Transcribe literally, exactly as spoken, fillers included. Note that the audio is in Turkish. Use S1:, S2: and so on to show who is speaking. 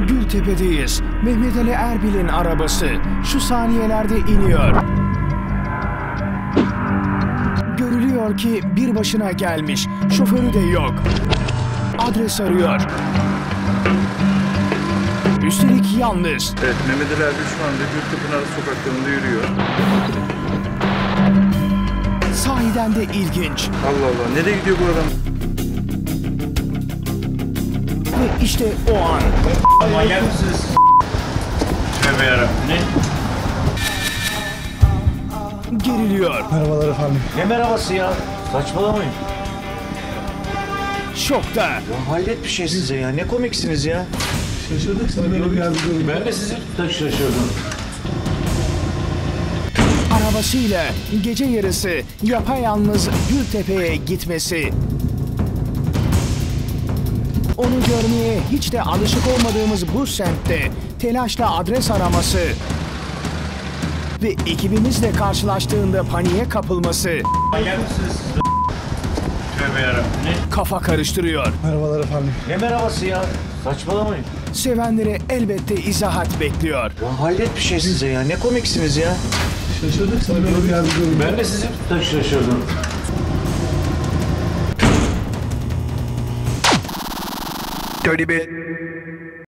S1: Gültepe'deyiz. Mehmet Ali Erbil'in arabası şu saniyelerde iniyor. Görülüyor ki bir başına gelmiş. Şoförü de yok. Adres arıyor. Üstelik yalnız.
S2: Evet, Mehmet Ali Erbil şu anda Gültepe sokaklarında yürüyor.
S1: Sahiden de ilginç.
S2: Allah Allah, nereye gidiyor bu adam?
S1: Ve işte o an.
S3: Manyak mısınız? Tövbe yarabbim. Ne?
S1: Geriliyor.
S4: Merhabalar efendim.
S3: Ne merhabası ya? Saçmalamayın.
S1: Şokta.
S3: Ya hayret bir şey size ya. Ne komiksiniz ya.
S4: Şaşırdık sana böyle bir yardımcı olayım.
S3: Ben de sizi da şaşırdım.
S1: Arabasıyla gece yarısı yapayalnız Gültepe'ye gitmesi. Onu görmeye hiç de alışık olmadığımız bu semtte telaşla adres araması ve ekibimizle karşılaştığında paniğe kapılması
S3: Manyak mısınız? Tövbe yarabbim. Ne?
S1: kafa karıştırıyor.
S4: Merhabalar efendim.
S3: Ne merhabası ya? Saçmalamayın.
S1: Sevenlere elbette izahat bekliyor.
S3: Ya hayret bir şey size ya. Ne komiksiniz ya.
S4: Şaşırdık sana böyle bir yardımcı olayım.
S3: Ben de sizi da şaşırdım.
S1: Dirty bit.